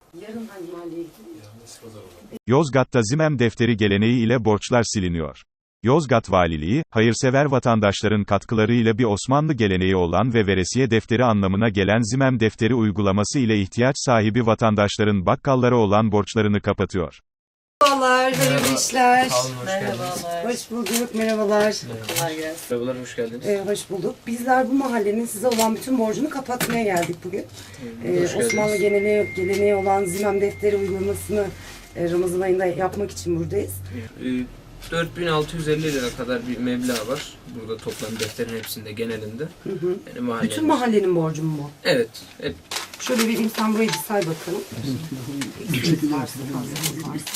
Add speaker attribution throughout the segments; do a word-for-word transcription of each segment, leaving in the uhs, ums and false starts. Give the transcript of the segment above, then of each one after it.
Speaker 1: Yarın hangi mahalleye gidiyor?
Speaker 2: Yozgat'ta Zimem defteri geleneği ile borçlar siliniyor. Yozgat Valiliği, hayırsever vatandaşların katkılarıyla bir Osmanlı geleneği olan ve veresiye defteri anlamına gelen Zimem defteri uygulaması ile ihtiyaç sahibi vatandaşların bakkallara olan borçlarını kapatıyor.
Speaker 1: Merhabalar, hayırlı işler.
Speaker 3: Sağ olun, hoş
Speaker 1: Merhabalar. Hoş bulduk, merhabalar.
Speaker 3: Kolay gelsin. Merhabalar, hoş geldiniz.
Speaker 1: Ee, hoş bulduk. Bizler bu mahallenin size olan bütün borcunu kapatmaya geldik bugün. Ee, Osmanlı geleneği, geleneği olan Zimem defteri uygulamasını e, Ramazan ayında yapmak için buradayız.
Speaker 3: Ee, dört bin altı yüz elli lira kadar bir meblağ var. Burada toplam defterin hepsinde, genelinde.
Speaker 1: Hı hı.
Speaker 3: Yani mahallemiz...
Speaker 1: Bütün mahallenin borcu mu bu?
Speaker 3: Evet. hep.
Speaker 1: Şöyle vereyim, sen burayı bir say bakalım. Eksik varsa, fazla varsa.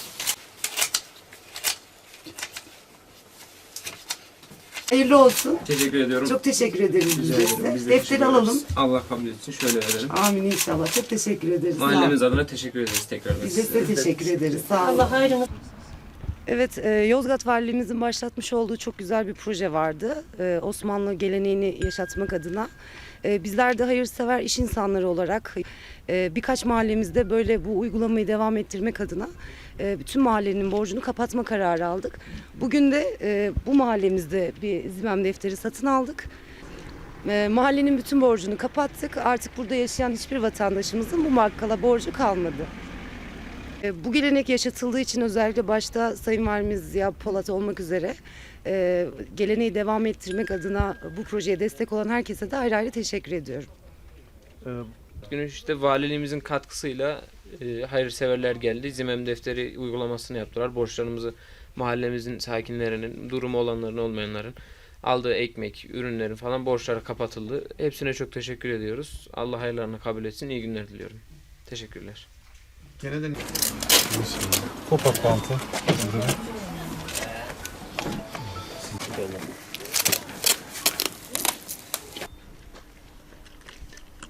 Speaker 1: Hayırlı olsun.
Speaker 3: Teşekkür ediyorum.
Speaker 1: Çok teşekkür ederim biz
Speaker 3: Rica
Speaker 1: de
Speaker 3: ederim.
Speaker 1: size.
Speaker 3: Biz de
Speaker 1: Defteri
Speaker 3: teşekkür
Speaker 1: alalım.
Speaker 3: ederiz. Allah kabul etsin. Şöyle verelim.
Speaker 1: Amin inşallah. Çok teşekkür ederiz.
Speaker 3: Mahallemiz adına teşekkür ederiz tekrardan.
Speaker 1: Biz de size teşekkür ederiz. Sağ olun.
Speaker 4: Allah hayrını.
Speaker 1: Evet, e, Yozgat Valiliğimizin başlatmış olduğu çok güzel bir proje vardı. E, Osmanlı geleneğini yaşatmak adına. E, bizler de hayırsever iş insanları olarak e, birkaç mahallemizde böyle bu uygulamayı devam ettirmek adına e, bütün mahallenin borcunu kapatma kararı aldık. Bugün de e, bu mahallemizde bir Zimem defteri satın aldık. E, mahallenin bütün borcunu kapattık. Artık burada yaşayan hiçbir vatandaşımızın bu bakkala borcu kalmadı. Bu gelenek yaşatıldığı için özellikle başta Sayın Valimiz Ziya Polat olmak üzere e, geleneği devam ettirmek adına bu projeye destek olan herkese de ayrı ayrı teşekkür ediyorum.
Speaker 3: Bugün işte valiliğimizin katkısıyla e, hayırseverler geldi. Zimem defteri uygulamasını yaptılar. Borçlarımızı mahallemizin sakinlerinin, durumu olanların olmayanların aldığı ekmek, ürünlerin falan borçları kapatıldı. Hepsine çok teşekkür ediyoruz. Allah hayırlarını kabul etsin. İyi günler diliyorum. Teşekkürler.
Speaker 5: Gene de pop-up bantı.